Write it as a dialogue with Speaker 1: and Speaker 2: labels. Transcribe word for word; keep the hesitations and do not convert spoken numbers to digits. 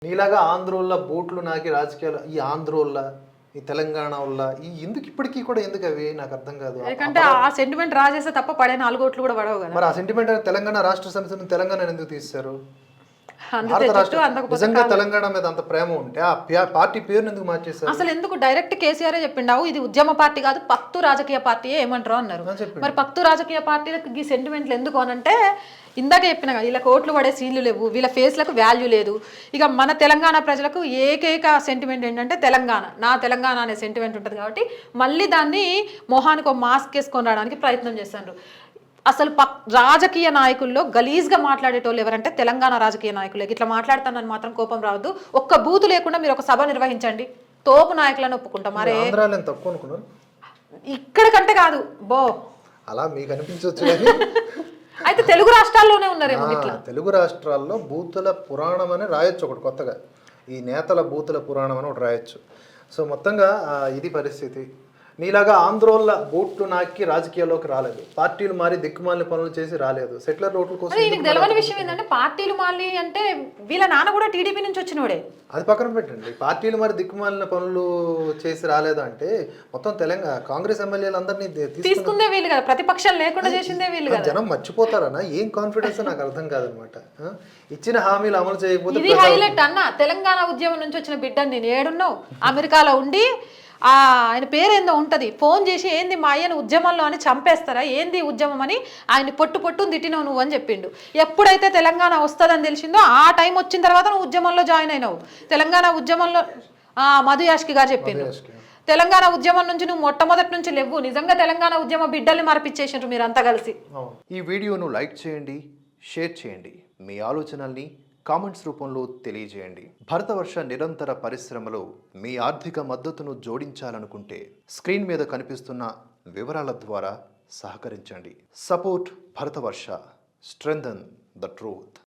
Speaker 1: నీలాగా ఆంధ్రోళ్ళ బోట్లు నాకి రాజకీయాలు ఈ ఆంధ్రోళ్ళ ఈ తెలంగాణ వల్ల ఈ ఎందుకు ఇప్పటికీ కూడా ఎందుకు అవి నాకు అర్థం కాదు.
Speaker 2: ఎందుకంటే ఆ సెంటిమెంట్ రాజేస్తే తప్ప పడే నాలుగు ఓట్లు కూడా పడవు కదా.
Speaker 1: మరి ఆ సెంటిమెంట్ తెలంగాణ రాష్ట్ర సమితిని తెలంగాణ ఎందుకు తీశారు?
Speaker 2: అందుకు
Speaker 1: నిజంగా తెలంగాణ మీద అంత ప్రేమ ఉంటే ఆ పార్టీ పేరుని ఎందుకు మార్చేశారు?
Speaker 2: అసలు ఎందుకు డైరెక్ట్ కేసీఆర్ చెప్పిండావు ఇది ఉద్యమ పార్టీ కాదు పక్తు రాజకీయ పార్టీ ఏమంటారు అన్నారు. మరి పక్తు రాజకీయ పార్టీలకు ఈ సెంటిమెంట్లు ఎందుకు అనంటే ఇందాక చెప్పిన వీళ్ళకి ఓట్లు పడే సీన్లు లేవు, వీళ్ళ ఫేస్లకు వాల్యూ లేదు. ఇక మన తెలంగాణ ప్రజలకు ఏకైక సెంటిమెంట్ ఏంటంటే తెలంగాణ, నా తెలంగాణ అనే సెంటిమెంట్ ఉంటుంది కాబట్టి మళ్ళీ దాన్ని మొహానికి ఒక మాస్క్ వేసుకొని రావడానికి ప్రయత్నం చేస్తారు. అసలు పక్ రాజకీయ నాయకుల్లో గలీజ్గా మాట్లాడేటోళ్ళు ఎవరంటే తెలంగాణ రాజకీయ నాయకులే. ఇట్లా మాట్లాడతానని మాత్రం కోపం రావద్దు. ఒక్క బూతు లేకుండా మీరు ఒక సభ నిర్వహించండి, తోపు నాయకులను ఒప్పుకుంటాం. మరే ఇక్కడ కంటే కాదు బో
Speaker 1: అలా మీకు అనిపించవచ్చు.
Speaker 2: అయితే తెలుగు రాష్ట్రాల్లోనే ఉన్నారేమో ఇట్లా.
Speaker 1: తెలుగు రాష్ట్రాల్లో బూతుల పురాణం అని రాయొచ్చు ఒకటి కొత్తగా, ఈ నేతల బూతుల పురాణం అని ఒకటి రాయొచ్చు. సో మొత్తంగా ఇది పరిస్థితి. నీలాగా ఆంధ్రోళ్ళ బోట్లు నాకి రాజకీయాల్లోకి రాలేదు, పార్టీలు మారి దిక్కుమాలిన పనులు చేసి రాలేదు, సెటిలర్ ఓట్ల కోసం.
Speaker 2: నీకు తెలియని విషయం ఏంటంటే పార్టీలు మారి అంటే వీళ్ళ నాన్న కూడా టీడీపీ నుంచి వచ్చినోడే.
Speaker 1: అది పక్కన పెట్టండి, పార్టీలు మరి దిక్కుమాలిన పనులు చేసి రాలేదు అంటే మొత్తం తెలంగాణ కాంగ్రెస్ ఎమ్మెల్యేలు అందరినీ
Speaker 2: తీసుకుందే వీళ్ళు కదా, ప్రతిపక్షం లేకుండా చేసిందే వీళ్ళు కదా.
Speaker 1: జనం మర్చిపోతారన్నా ఏం కాన్ఫిడెన్స్ నాకు అర్థం కాదనమాట. ఇచ్చిన హామీలు అమలు చేయకపోతే
Speaker 2: ఇది హైలైట్ అన్న. తెలంగాణ ఉద్యమం నుంచి వచ్చిన బిడ్డని నేను ఏడున్నావు అమెరికాలో ఉండి ఆ ఆయన పేరేందో ఉంటుంది, ఫోన్ చేసి ఏంది మా అయ్యను ఉద్యమంలో అని చంపేస్తారా, ఏంది ఉద్యమం అని ఆయన పొట్టు పొట్టు తిట్టినావు నువ్వు అని చెప్పిండు. ఎప్పుడైతే తెలంగాణ వస్తుందని తెలిసిందో ఆ టైం వచ్చిన తర్వాత నువ్వు ఉద్యమంలో జాయిన్ అయినావు. తెలంగాణ ఉద్యమంలో మధు యాష్కి గారు చెప్పిండు, తెలంగాణ ఉద్యమం నుంచి నువ్వు మొట్టమొదటి నుంచి లేవు. నిజంగా తెలంగాణ ఉద్యమ బిడ్డల్ని మార్పిచ్చేసారు మీరు అంతా కలిసి.
Speaker 1: ఈ వీడియోను లైక్ చేయండి, షేర్ చేయండి, మీ ఆలోచనల్ని కామెంట్స్ రూపంలో తెలియజేయండి. భరతవర్ష నిరంతర పరిశ్రమలో మీ ఆర్థిక మద్దతును జోడించాలనుకుంటే స్క్రీన్ మీద కనిపిస్తున్న వివరాల ద్వారా సహకరించండి. Support Bharatavarsha, strengthen the truth.